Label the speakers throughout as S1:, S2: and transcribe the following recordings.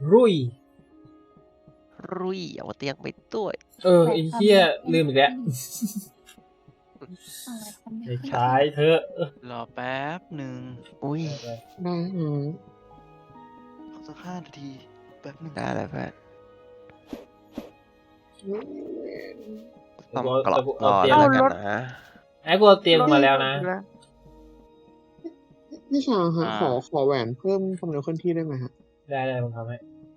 S1: รุ่ย
S2: เอาเตียงไปด้วย
S1: ไอ้เหี้ยลืมอีกแล้ว
S3: อะไรทำ
S1: ไอ้ชายเธอ
S4: รอแป๊บหนึ่ง
S2: อุ้ย
S5: ได้ฮะ
S4: ขอสัก5 นาทีแป๊บหนึ่ง
S2: ได้เลยเพื่อนต้
S1: ต้
S2: อ
S1: อง ง
S2: กรอบ
S1: เอา
S2: รอ
S1: เตียง
S2: แล้วกันนะ
S1: ไอ้กูเอาเตียงมาแล้วนะ
S5: พี่ชางฮะขอแหวนเพิ่มความเร็วเคลื่อนที่ได้ไหมฮะ
S1: ได้ผมทำให้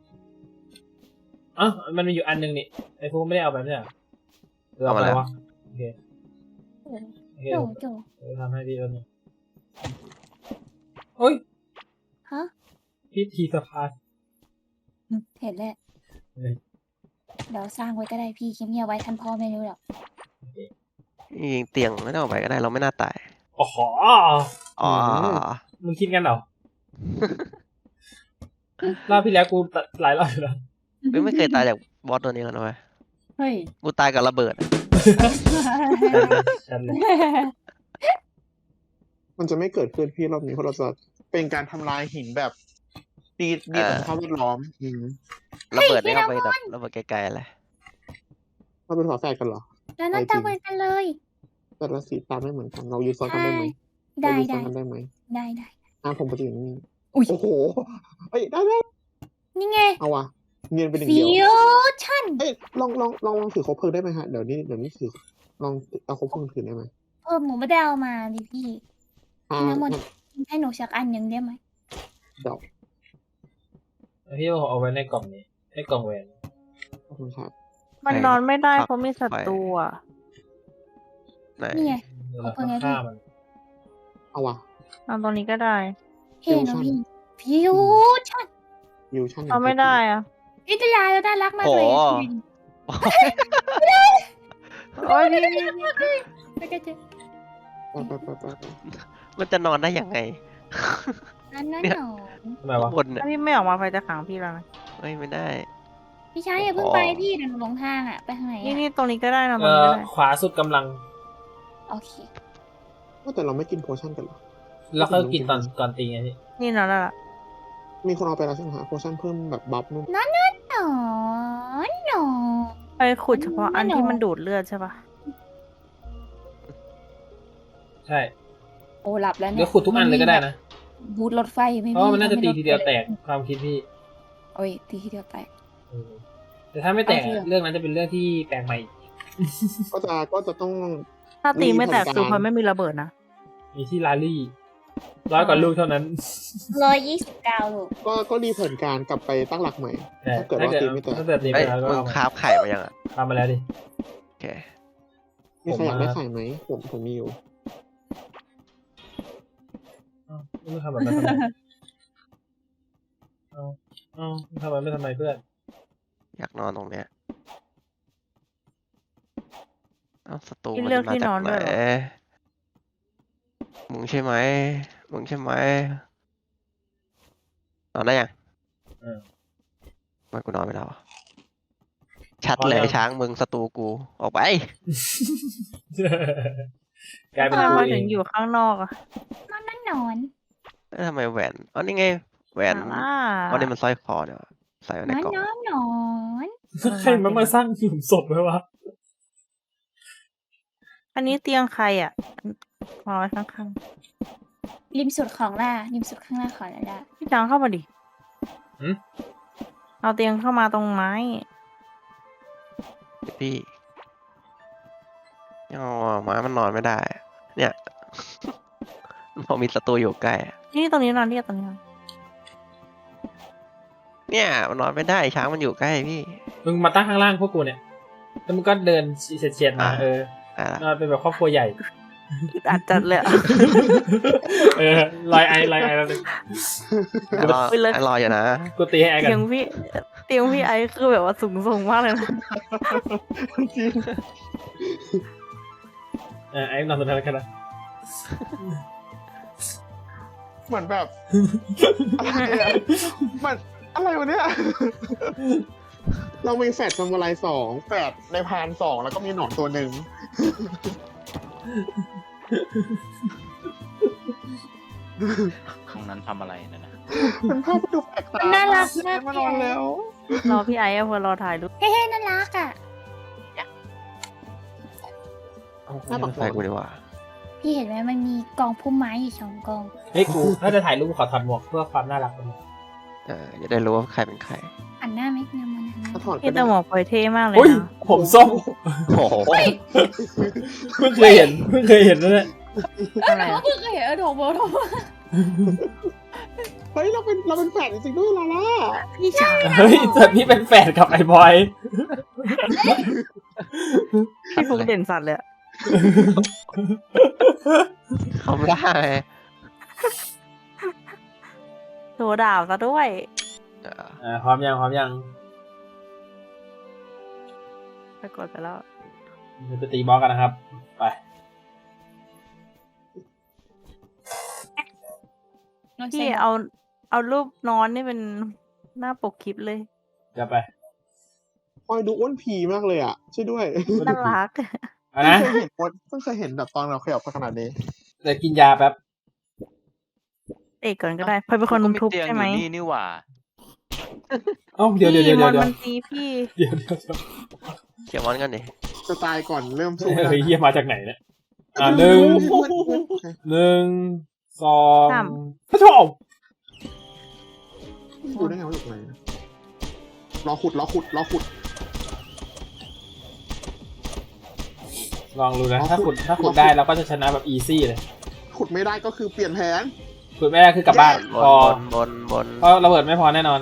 S1: มันมีอยู่อันนึงนี่ไอ้พวกไม่ได้เอาไปไม่ใช่เหรอเอามาแล้วโอเค
S3: โจ
S1: ทำให้พี่แล้วนึงโอ้ย
S3: ฮะ
S1: พิธีสะพาน
S3: เห็นแล้ว
S1: เฮ้ย
S3: เดี๋ยวสร้างไว้ก็ได้พี่เงียบๆไว้ท่านพ่อไม่รู้หรอก
S2: ยิงเตียงไม่ต้องเอาไปก็ได้เราไม่น่าตาย
S1: อ๋อ
S2: อ๋อ
S1: มึงคิดกันเหรอ รอบที่แล้วกูหลายรอบอยู่แล้ว
S2: ไม่เคยตายจากบอสตัวนี้แล้วนะเว้ย
S3: เฮ้ย
S2: กูตายกับระเบิด
S1: ฉันเลย
S5: มันจะไม่เกิดขึ้นพี่รอบนี้เพราะเราจะเป็นการทำลายหินแบบดีต่อสภาพแวดล้อม
S2: ระเบิดไม่เอาไปแบบระเบิดไกลๆเลย
S5: เราเป็นฝาแฝดกันเหรอ
S3: แล้วนั่นตาเหมือนกันเลย
S5: แต่ละสีตาไม่เหมือนกันเรายืนซ้อนกันได้ไหม
S3: ได้
S5: เรายืนซ้
S3: ได้
S5: อนกันได้ไหม
S3: ได้
S5: ผมปฏิอย่างนี้
S3: อุ๊ย
S5: โอ้โหเอ้ยได้
S3: นี่ไง
S5: เอาว่ะเนียนเป็นหนึ่ง
S3: ฟิ
S5: เดียว
S3: วชั่น
S5: เอ้ยลองถือคบเพลิงได้ไหมฮะเดี๋ยวนี้ถือลองเอาคบเพลิงถือได้ไหม
S3: เพิ่มหนูไม่ได้เอามาดิพี่
S5: อ่า
S3: น้ำมนต์ให้หนูสักอันหนึ่งได้ไหม
S5: เดี๋ยว
S1: พี่เอาไว้ในกล่องนี้ในกล่องแหวน
S5: ขอบคุณครับ
S6: มันนอนไม่ได้เพราะมีศัตรูอ่ะ
S2: ไหน
S3: นี่ไง
S1: เดี๋ยวเราต้องฆ่ามัน
S5: เอาว่ะ
S6: นอนตรงนี้ก็ได้
S3: เห็นนะพี่ฟิวชั่น
S5: วิวชั่น
S6: นอนไม่ได้อ่ะ
S3: อิตาลีเราน่ารักมากเลย
S6: โอ้ยพี่
S3: ไปกันเถอะ
S5: ไป
S2: มันจะนอนได้ยังไง
S3: นั่นหนอ
S1: ทำไมวะ
S2: บนเนี่ย
S6: ถ้าพี่ไม่ออกมาไฟจะขังพี่แล้วนะ
S2: เฮ้ยไม่ได้
S3: พี่ชายอย่าเพิ่งไปพี่เดี๋ยวหนูหลงทางอ่ะไปทางไหน
S6: นี่ตรงนี้ก็ได้นอนต
S1: เอ
S6: รงนี้
S1: อ
S6: ก็ได้
S1: ขวาสุดกำลัง
S3: โอเค
S5: แต่เราไม่กินโพชั่นกันเหรอ
S1: แล้วก็กินตอนตีไงพี่
S6: นี่นอนแล้วล่ะ
S5: มีคนเอาไปแล้วใช่ไหมฮะโพชั่นเพิ่มแบบบัฟนู่น
S3: หนอ
S6: ไปขุดเฉพาะอันที่มันดูดเลือดใช่ปะ
S1: ใช่
S3: โอ้หลับแล้ว
S1: เดี๋
S3: เนี่ย
S1: วยขุดทุกอันเลยก็ได้นะ
S3: บูทรถไฟไม่
S1: เพราะว่ามันน่าจะตีทีเดียวแตกความคิดพี่
S3: โอ้ยตีทีเดียวแตก
S1: แต่ถ้าไม่แตก
S3: เอาเถอะ
S1: เรื่องนั้นจะเป็นเรื่องที่แปลกใหม่อีก
S5: ก็จะต้อง
S6: ถ้าตีไม่แตก
S5: มีผลการ
S6: คือมันไม่มีระเบิดนะ
S1: มีที่ลาลี่100 กว่าลูกเท่านั้น
S3: 129 ลูก
S5: ก็รีเทิร์นการกลับไปตั้งหลักใหม่
S1: แต่
S5: ถ้าเกิดว่าตีไม่แตก
S1: ถ้าเกิดตี
S2: เฮ้
S1: ไม่
S2: ย
S1: แตกก็
S2: มึง
S1: เอา
S2: คราฟไข่มายังอ่ะ
S1: ทำมาแล้วดิ
S2: โอเค
S5: มีใครอยากได้ไข่ไหมผมมีอยู่
S1: ไม่ทำแบบนั้นทำไมทำแบบนั้นไม่ทำไมเพื่อน
S2: อยากนอนตรงเนี้ยเอ้าศัตรู
S6: พี่
S2: มัน
S6: เลือก
S2: มา
S6: ที่
S2: จาก
S6: นอน
S2: ไหน
S6: ด้วยเหรอ
S2: มึงใช่ไหมนอนได้ยัง
S1: เออ
S2: ทำไมันกูนอนไม่ได้วะชัดเลยช้างมึงศัตรูกูออกไป
S1: กลายเป็น
S6: ทำไม
S1: ตัว
S6: มา
S1: เอ
S6: ถึ
S1: ง
S6: งอยู่ข้างนอกอ่ะ
S3: นอน
S2: แล้วทำไมแหวนอ๋อนี่ไงแหวน
S6: อ่า
S2: อ๋อนี่มันสร้อยคอเดี๋ยวใส่ไว้ในกล่อง
S3: นอน
S1: ใครมันมาสร้างหลุมศพไว้วะ
S6: อันนี้เตียงใครอ่ะวางไว้ข้าง
S3: ริมสุดของล่าริมสุดข้างหน้าของล่า
S6: ๆพี่จางเข้ามาดิเอาเตียงเข้ามาตรงไม้
S2: พี่อ๋อหมามันนอนไม่ได้ เนี่ย พอมีศัตรูอยู่ใกล้อะ
S6: นี่ตรงนี้นอนตรงนี้นอน
S2: เนี่ยมันนอนไม่ได้ช้างมันอยู่ใกล้พี่
S1: มึงมาตั้งข้างล่างพวกกูเนี่ยแล้วมึงก็เดินเฉียดๆมา
S2: อ่ะ
S1: นอนเป็นแบบครอบครัวใหญ่
S6: อัดจัดเลยอะ
S1: ลอยไอแล้วนึง
S2: รอ
S6: ไปเลย
S1: Dạ.
S2: รออยู่นะ
S1: กูตีให้ไอกั
S6: เตีย
S1: น
S6: งพี่ไอซ์คือแบบว่าสูงส่งมากเลยนะ
S5: จริง
S1: ไอนอนสุดท้ายกันนะ
S5: เหมือนแบบมันอะไรวะเนี่ย เรามีแฟดซามูไร2แฟดในพาน2แล้วก็มีหนอนตัวหนึ่ง
S4: ตรงนั้นทำอะไรนั่นนะ
S5: มันภาพที่ดูแปลกตา
S3: น่ารักมาก
S5: มานอนแล้ว
S6: รอพี่ไอ้อะพอรอถ่ายรูป
S3: เฮ้ยน่ารักอ่ะ
S2: เอาไม่ใส่กูดีกว่า
S3: พี่เห็นไหมมันมีกองพุ่มไม้อยู่2 กอง
S1: เฮ้ยกูถ้าจะถ่ายรูปขอถอดหมวกเพื่อความน่ารักของมัน
S2: จะได้รู้ว่าใครเป็นใคร
S3: หันหน้าไหมนำมันหันหน้า
S5: ถ้าถอด
S6: พี่แต่หมวกพลอยเท่มากเลย
S1: อุ้ย
S6: นะ
S1: ผมส้ม
S2: โอ้โห
S1: เพิ่งเคยเห็นนั่นแหละ
S6: อะไรอะ
S3: เพิ่งเคยเห็นโถโบ
S5: เฮ้ยเราเป็นแฟนจริงๆด้วยลาล่า
S6: พี่ชาย
S1: เฮ้ยแต่พี่เป็นแฟนกับไอ้บอย
S6: พี่ฟุกเด่นสัตว์เลยอะ
S2: เขาไม่ได้
S6: โชว์ดาบซะด้วย
S1: พร้อมยัง
S6: ไปกดไปแล้ว
S1: จะไปตีบอสกันนะครับ ไป
S6: พี่เอารูปนอนนี่เป็นหน้าปกคลิปเลย
S1: จะไป
S5: คอยดูอ้วนผีมากเลยอ่ะช่วยด้วย
S6: น่ารัก
S1: เอานะ
S5: เพิ่งเคยเห็นแบบตอนเราขยับไปขนาดนี้
S1: เดี๋ยวกินยาแป๊บ
S6: เอกก่อนก็ได้พลอยเป็นคนทุบ
S7: เตียง
S6: ใช่
S7: อ
S6: ไหม
S7: ยู่นี่นี่หว่า
S1: เอ้าเดี๋ยว
S6: พี่มอนมันตีพี่
S1: เดี๋ยว
S2: เขียนมอนกันดิ
S5: จะตายก่อนเริ่มสู้
S1: เฮ้ยเฮียมาจากไหนเนี่ยหนึ่งสองพระโถ
S5: ดูได้ไงว่าอยู่ตรงไหนรอขุด
S1: ลองดูนะถ้าขุดได้เราก็จะชนะแบบอีซี่เลย
S5: ขุดไม่ได้ก็คือเปลี่ยนแผน
S1: ขุดไม่ได้คือกลับบ้าน
S2: บ
S1: พอน
S2: บน
S1: เพราะระเบิดไม่พอแน่นอน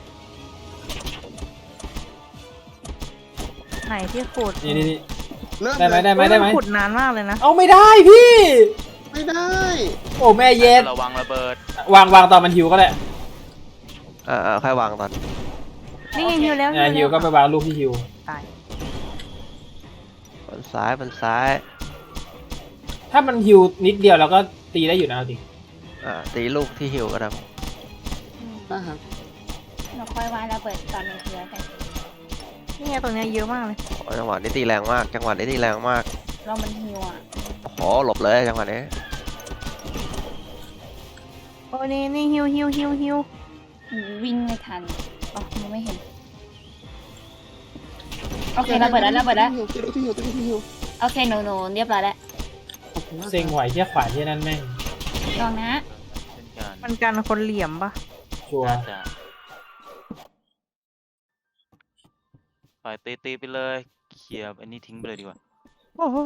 S6: ไหนที่ขุด
S1: นี่
S5: เริ่ม
S1: ได้ไหม
S5: เลย
S1: ได้ไหม
S6: ขุดนานมากเลยนะ
S1: เอาไม่ได้พี่
S5: ไม่ได้
S1: โอ้แม่เย็ด
S7: ระวังระเบิด
S1: วางตอนมันหิวก็ได้
S2: ค่อยวางตอน
S6: นี่ไงหิวแล้ว
S1: หิวก็ไปวางลูกที่หิว
S6: ตาย
S2: บนซ้าย
S1: ถ้ามันหิวนิดเดียวเราก็ตีได้อยู่นะจริง
S2: ตีลูกที่หิวก็ได้
S5: ได้ครับ
S3: เราค่อยวางระเบิดตอนในเรือกัน
S6: นี่ไงตรงเนี้ยเยอะมากเลย
S2: จังหวะนี้ตีแรงมาก
S3: เรามันหิวอ่ะ
S2: โอ้โหหลบเลยจังหวะนี้
S6: โอ้นี่หิว
S3: วิ่งไม่ทันอ๋อมองไม่เห็นโอเคระเบิดแล้ว
S5: ที่หิว
S3: โอเคหนูเรียบร้อยแล้ว
S1: เซ็งไหวเที่ยขวานที่นั่นแม่ง
S3: ลองนะ
S7: เช่นกัน
S6: มันกันคนเหลี่ยมปะ
S1: ชัวร์
S7: น่าจะปล่อยตีไปเลยเคลียร์อันนี้ทิ้งไปเลยดีกว่า
S6: โอ้โห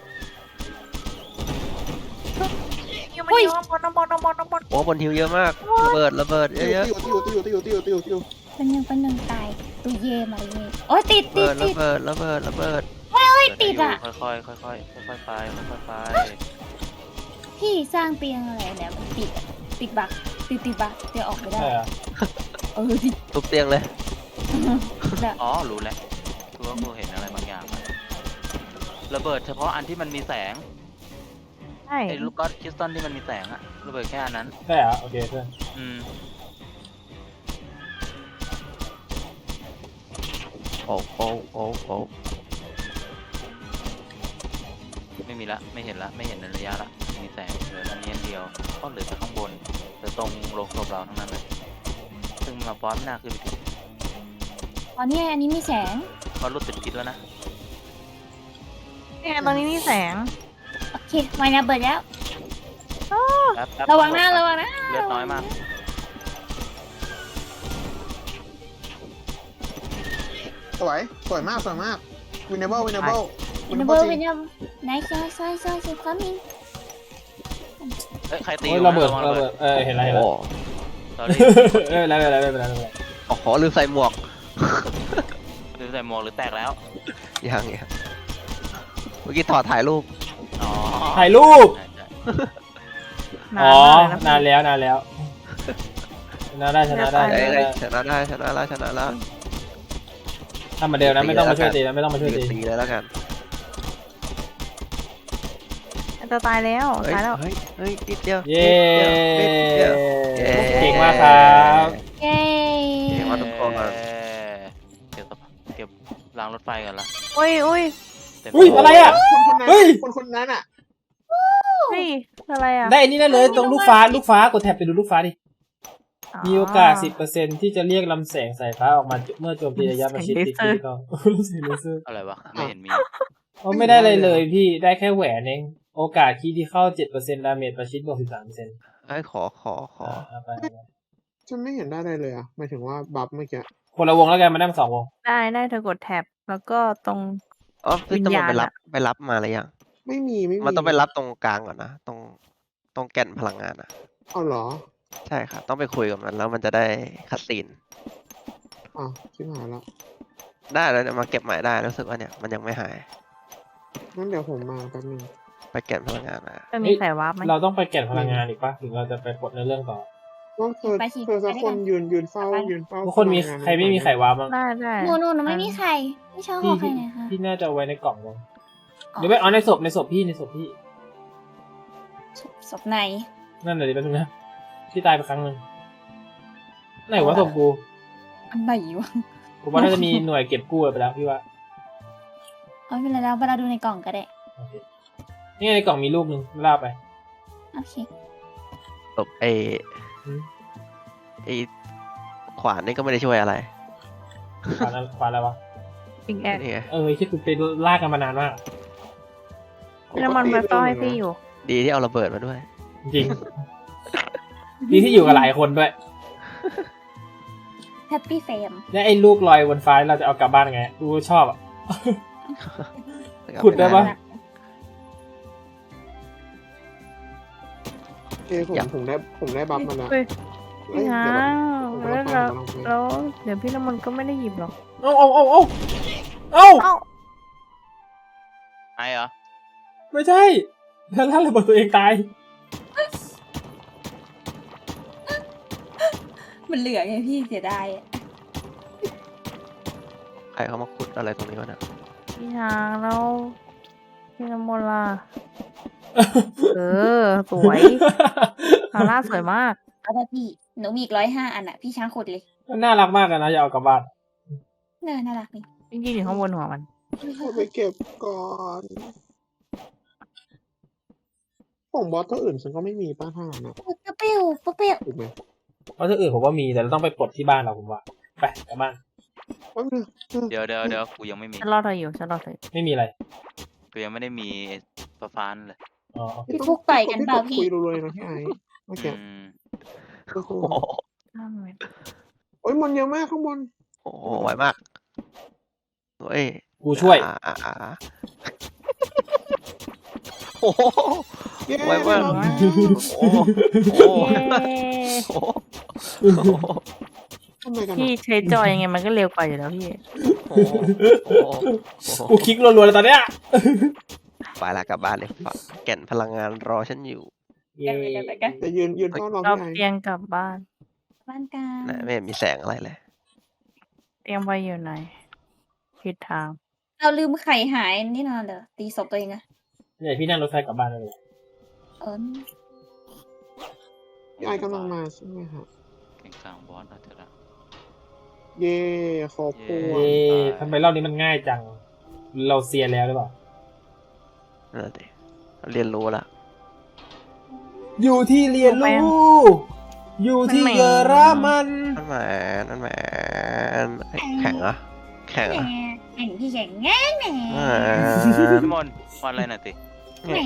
S6: หิวมันเยอะน้ำบอล
S2: โอ้บนหิวเยอะมากระเบิดเยอะ
S5: ที่หิว
S3: เป็นหนึ่งตายตุยเย่มาเย่โอ้ยติด
S2: ระเบิด
S3: ไม่ติดอ่ะ
S7: ค่อยๆไปค่อยๆไป
S3: พี่สร้างเตียงอะไรเนี่ยมันติดบักติดบักเตียงออกไม่ได้
S1: ใช่เหรอ
S3: ดิ
S2: ทุบเตียงเลย
S7: อ๋อรู้แล้วคือว่ากูเห็นอะไรบางอย่างระเบิดเฉพาะอันที่มันมีแสง
S6: ใช่
S7: ไอ้ลูกก๊อตคริสตัลที่มันมีแสงอะระเบิดแค่อันนั้น
S1: ใช่เหรอโอเคเพื่อน
S2: โอ้
S7: ไม่มีละไม่เห็นในระยะละมีแสงเหลืออันนี้อันเดียวก็เหลือแต่ข้างบนเหลือตรงโรงศพเราทั้งนั้นเลยซึ่งมาบอสหน้าขึ้นไปถึง
S3: อ๋อเนี่ยอันนี้มีแสง
S7: ก็รู้สึกคิดแล้วนะ
S6: นี่ไงตรงนี้มีแสง
S3: โอเคมาระเบิดแล้ว
S7: แป๊บ
S3: ระวังนะ
S7: เลือดน้อยมาก
S5: สวยมากวินเนเบิล
S3: วินเนอร์ไหนซอยสิความมิง
S7: เฮ้ยใครตี
S1: โอ้ยระเบิดเห็นอะไร
S2: โอ้
S7: ตอนนี้
S1: ไม่เป็นไร
S2: โอ้โหลืมใส่หมวก
S7: หรือใส่หมวกหรือแตกแล้ว
S2: ยังเมื่อกี้ถอดถ่ายรูป
S7: อ๋อ
S1: ถ่ายรูป
S7: ใช่
S1: อ๋อ
S6: มาก
S1: นานแล้วชนะได้
S2: ชนะแล้ว
S1: ทำเหมือนเดิมนะไม่ต้องมาช่วยตีนะไม่ต้องมาช่วยตี
S2: ตีเลยแล้วกัน
S6: จะตายแล้วตายแล้ว
S2: เฮ้ยนิดเดียว
S1: เย้
S2: นิดเดียว
S1: เก่งมากครับ
S3: เย้
S2: เก่งมากทุกคน
S7: เก็บรางรถไฟกันละ
S6: อุ้ย
S7: เต็ม
S1: อุ้ยอะไรอ่ะ เฮ้ย
S5: คนนั้นอ่ะ
S6: เฮ้ยอะไรอ่ะ
S1: ได้อันนี้ได้เลยตรงลูกฟ้ากดแท็บไปดูลูกฟ้าดิมีโอกาส 10%ที่จะเรียกลำแสงสายฟ้าออกมาเมื่อโจมตีระยะประชิดติดที่ต้องรู้สึกรู้สึก
S7: อะไรวะ ไม่เห็นมี
S1: อ๋อไม่ได้เลยเลยพี่ได้แค่แหวนเองโอกาสคีที่เข้า 7% ดาเมจประชิดบวก 13%
S2: ไอ้ยขอ
S1: เอาไป
S5: ฉันไม่เห็นได้อะไรเลยอ่ะหมายถึงว่าบัฟเมื่อกี้
S1: คนละวงแล้วกันมานั่ง2 วง
S6: ได้เธอกดแท็บแล้วก็ตรง
S2: อ๋อพี่
S6: วิญ
S2: ตำรวจ
S6: ญาณ
S2: ไปรับ
S6: อะ
S2: ไปรับมาหรือยัง
S5: ไม่มี
S2: มันต้องไปรับตรงกลางก่อนนะ ตรงแก่นพลังงานอ่ะ
S5: เอาเหรอ
S2: ใช่ครับต้องไปคุยกับมันแล้วมันจะได้คัดซีน
S5: อ่ะชิบหายละ
S2: ได้แล้วเนี่ยมาเก็บใหม่ได้รู้สึกว่าเนี่ยมันยังไม่หาย
S5: งั้นเดี๋ยวผมมาแป๊บนึง
S2: ไปแก่นพลังงานนะ
S6: จะมีสายวาร์ปไหม
S1: เราต้องไปแก่นพลังงานอีกปะถึงเราจะไปกดในเรื่องต่อ
S5: ว่าเธอสักคนยืนเฝ้า
S1: ทุกคนมี
S5: พลังงา
S1: ใครไม่มีไขวาบ้าง
S6: ได้
S3: หนูไม่มีใครไม่ชอบข
S1: พี่
S3: องใคร
S1: พี่
S3: เลยค่ะ
S1: พี่น่าจะเอาไว้ในกล่องมั้งหรือไม่เอาในศพพี่
S3: ศพไหน
S1: นั่นเลยแป๊บนึงนะพี่ตายไปครั้งหนึ่งไหนวะศพกู
S3: อันไหนวะ
S1: ผมว่าน่าจะมีหน่วยเก็บกู้ไปแล้วพี่ว่า
S3: เอาไปแล้วเวลาดูในกล่องก็ได้
S1: โอเคนี่ไงในกล่องมีรูปหนึ่งลากไป
S3: โอเค
S2: ตบไอ้ขวานนี่ก็ไม่ได้ช่วยอะไร
S1: ขวานอะไรวะ
S6: ปิงแอด
S2: นี่ไง
S1: ที่คุณไปลากกันมานานมาก
S6: พี่น้ำมันไปต้อให้พี่อยู่
S2: ดีที่เอาระเบิดมาด้วย
S1: จริงดีที่อยู่กับหลายคนด้วย
S3: แฮปปี้เฟม
S1: แล้วไอ้ลูกลอยบนฟ้าเราจะเอากลับบ้านไงกูชอบอ่ะ ขุดได้ปะ
S5: โอเคผมได้บัฟมาแล้ว
S6: เฮ้ย
S5: เอ้ย
S6: พี่
S5: เดี๋ยว
S6: ช้าง
S5: ผม
S6: แล้ว
S5: กำลังไป
S6: เดี๋ยวพี่น้ำมันก็ไม่ได้หยิบหรอก
S1: เอ้า
S6: เอ้า
S7: ไอ้เหรอ
S1: ไม่ใช่แล้วล่าระเบิดตัวเองตาย
S3: มันเหลือไงพี่เสียดาย
S2: ใครเขามาขุดอะไรตรงนี้วะเนี่ย
S6: พี่ช้างแล้วพี่น้ำมันล่ะสวยฮาร่าสวยมาก
S3: เอาไปพี่หนูมีอีก105 อันอ่ะพี่ช้างขุดเลย
S1: มันน่ารักมากเลยนะอย่าเอากลับบ้าน
S3: น่ารักนี่
S6: จริงๆอยู่ข้างบนหัวมัน
S5: เอาไปเก็บก่อนของบอสตัวอื่นฉันก็ไม่มีป้าท่านะ
S3: เปรี้ยว
S5: ถูกไหม
S1: เพราะที่อื่นผมว่ามีแต่เราต้องไปปลดที่บ้านเราผมว่าไปกลับบ้าน
S5: แป๊บนึง
S7: เดี๋ยวกูยังไม่มี
S6: ฉันรอเธออยู่
S1: ไม่มีอะไร
S7: กูยังไม่ได้มีฟ้านเลย
S1: อ๋อโอเค
S3: พี่ฟุกต่อยกันเปล่าพี่
S5: คุยรวยๆนะพี่ไอ้เมื่อกี้
S2: โอ้โห
S5: โอ้ยมันเยอะมากข้างบน
S2: โอ้โหไหวมากเฮ้ย
S1: กูช่วย
S2: โอ้โห
S5: เย้
S2: ไวมาก
S5: ได้
S2: โอ้โหโอ้โห
S6: เย้
S2: โอ้โห
S5: ทำไมกัน
S6: พี่
S5: อะ
S6: ใช้จอยยังไงมันก็เร็วกว่าอยู่แล้วพี่
S2: โอ้โหโอ้โห
S1: กูคลิกรัวๆเลยตอนเนี้ย
S2: ไปละกลับบ้านเลยฝากแก่นพลังงานรอฉันอยู่
S1: เย้
S5: แต่ยืนเฝ้ารอ
S6: เรา
S5: พี่ไอ้
S6: เตียงกลับบ้าน
S3: บ้านกลาง
S2: ไหนไม่เห็นมีแสงอะไรเลย
S6: เตียงไปอยู่ไหนผิดทาง
S3: เราลืมไข่หายนี่นอนเหรอตีศพตัวเองอะ
S1: เนี่ยพี่นั่งรถไฟกลับบ้านเลย
S3: เออ
S5: พี่ไอ้กำลังมาใช่ไหมครับ
S7: เก่งกลางบอสนะเธอละ
S5: เย่ขอบคุณ
S1: เย้ทำไมรอบนี้มันง่ายจัง เราเซียนแล้วหรือเปล่า
S2: นั่นแหละดิเรียนรู้ละ
S1: อยู่ที่เรียนรู้ อยู่ที่เยอรมัน
S2: นั่นแหมแข็งเหรอะแข็งเหรอะ
S3: แข่งพี่แข่งแง่แหน่
S7: พี่มนต์วันอะไรน่ะติ
S2: แหม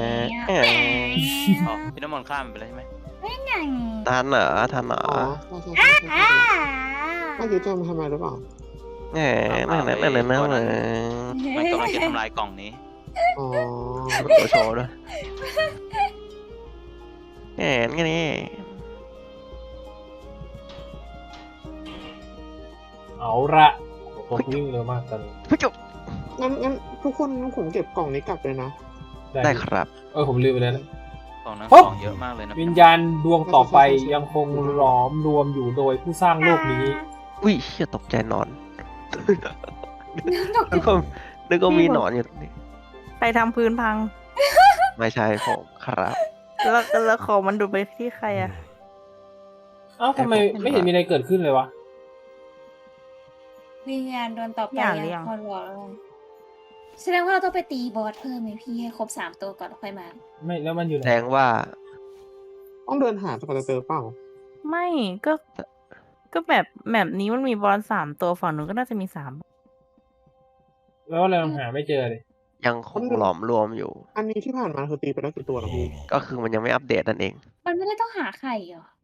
S7: อ๋อพี่น้ำมนต์ข้ามไปแล้วใช่ไหม
S2: ทันเหรอ
S5: อ๋อใช่เมื่อกี้จะมาทำอะไรหรือเปล่า
S2: แหมนั่นนั่นนั่นนั่น
S7: มันกำลังจะทำลายกล่องนี้
S5: อ๋อ
S2: ตัวโชว์ด้วยแหมงั้นนี่
S1: เอาละผมวิ่งเร็วมากตอนนี้
S2: ไม่จบ
S5: งั้นทุกคนผมเก็บกล่องนี้กลับเลยนะ
S2: ได้ครับ
S1: ผมลืมไปแล้วนะ
S7: กล่องนั้น
S1: ปุ๊บ
S7: ของเยอะมากเลยนะ
S1: วิญญาณดวงต่อไปยังคงหลอมรวมอยู่โดยผู้สร้างโลกนี้
S2: อุ้ยเชี่ยตกใจนอนนึกว่ามีหนอนอยู่ตรงนี้
S6: ใครทำพื้นพัง
S2: ไม่ใช่ผมครับ
S6: แล้วของมันดูดไปที่ใครอะ
S1: เอ้าทำไมไม่เห็นมีอะไรเกิดขึ้นเลยวะ
S3: วิญญาณโดนต่อไปยังพอรอแสดงว่าเราต้องไปตีบอสเพิ่มไหมพี่ให้ครบ3 ตัวก่อนแล้วค่อยมา
S1: ไม่แล้วมันอยู่ไห
S2: แส
S1: น
S2: ดงว่า
S5: ต้องเดินหาสกอตเตอร์เปล่า
S6: ไม่ก็แบบนี้มันมีบอล3 ตัวฝั่งนู้นก็น่าจะมี3
S1: แล้วเราหาไม่เจอเลย
S2: ยังคงหลอมรวมอยู่
S5: อันนี้ที่ผ่านมาคือตีไปแล้วกี่ตัวนะพี่
S2: ก็คือมันยังไม่อัปเดตนั่นเอง
S3: มันไม่ได้ต้องหาไข่เหรอ